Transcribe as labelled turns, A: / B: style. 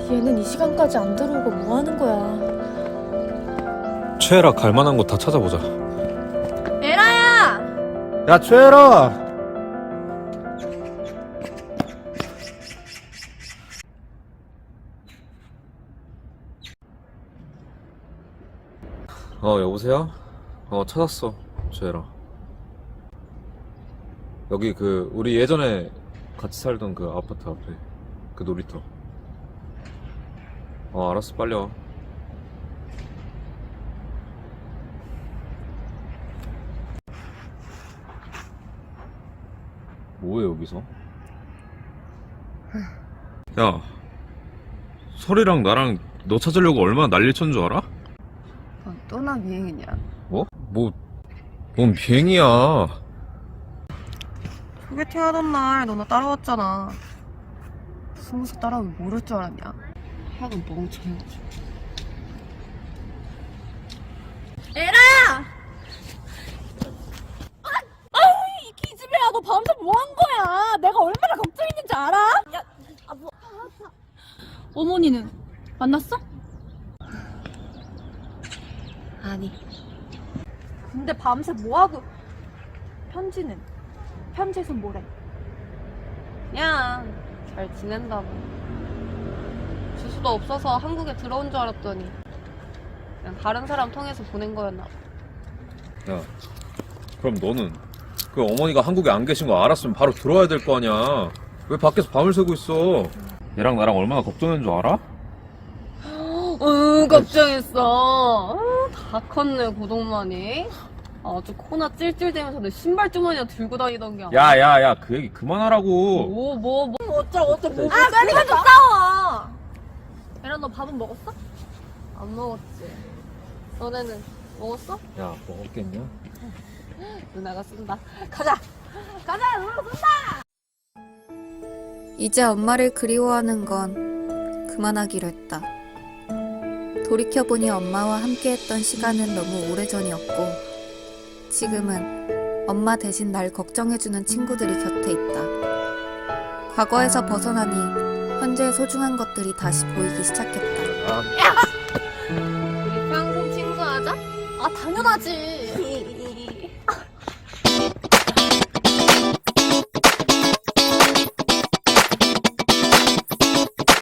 A: 얘는 이 시간까지 안 들어오고 뭐 하는 거야?
B: 최애라 갈만한 곳 다 찾아보자.
A: 에라야!
B: 야 최애라. 여보세요? 찾았어 최애라. 여기 그 우리 예전에 같이 살던 그 아파트 앞에 그 놀이터. 알았어 빨리 와. 뭐해 여기서? 야 설이랑 나랑 너 찾으려고 얼마나 난리 쳤는 줄 알아?
C: 넌 또나 비행이냐?
B: 뭐? 뭔 비행이야.
C: 소개팅 하던 날 너 나 따라왔잖아. 숨어서 따라오면 모를 줄 알았냐? 하여간 멍청해가지고.
A: 에라야! 이 기집애야, 너 밤새 뭐 한 거야? 내가 얼마나 걱정했는지 알아? 야, 어머니는 만났어?
C: 아니.
A: 근데 밤새 뭐 하고? 편지는? 편지에선 뭐래?
C: 그냥 잘 지낸다고. 주소도 없어서 한국에 들어온 줄 알았더니 그냥 다른 사람 통해서 보낸 거였나 봐.
B: 야 그럼 너는 그 어머니가 한국에 안 계신 거 알았으면 바로 들어와야 될 거 아니야. 왜 밖에서 밤을 새고 있어? 얘랑 나랑 얼마나 걱정했는 줄 알아?
C: 걱정했어. 다 컸네 고동만이. 아주 코나 찔찔대면서 내 신발 주머니에 들고 다니던 게.
B: 야야야 그 얘기 그만하라고.
C: 뭐.
A: 어쩌고 빨리 가서 싸워! 에라, 너 밥은 먹었어?
C: 안 먹었지. 너네는 먹었어?
B: 야 먹었겠냐?
C: 누나가 쓴다.
A: 가자, 누나 쏜다!
D: 이제 엄마를 그리워하는 건 그만하기로 했다. 돌이켜보니 엄마와 함께했던 시간은 너무 오래전이었고 지금은 엄마 대신 날 걱정해주는 친구들이 곁에 있다. 과거에서 벗어나니 현재의 소중한 것들이 다시 보이기 시작했다.
C: 우리 평생 친구하자?
A: 아, 당연하지.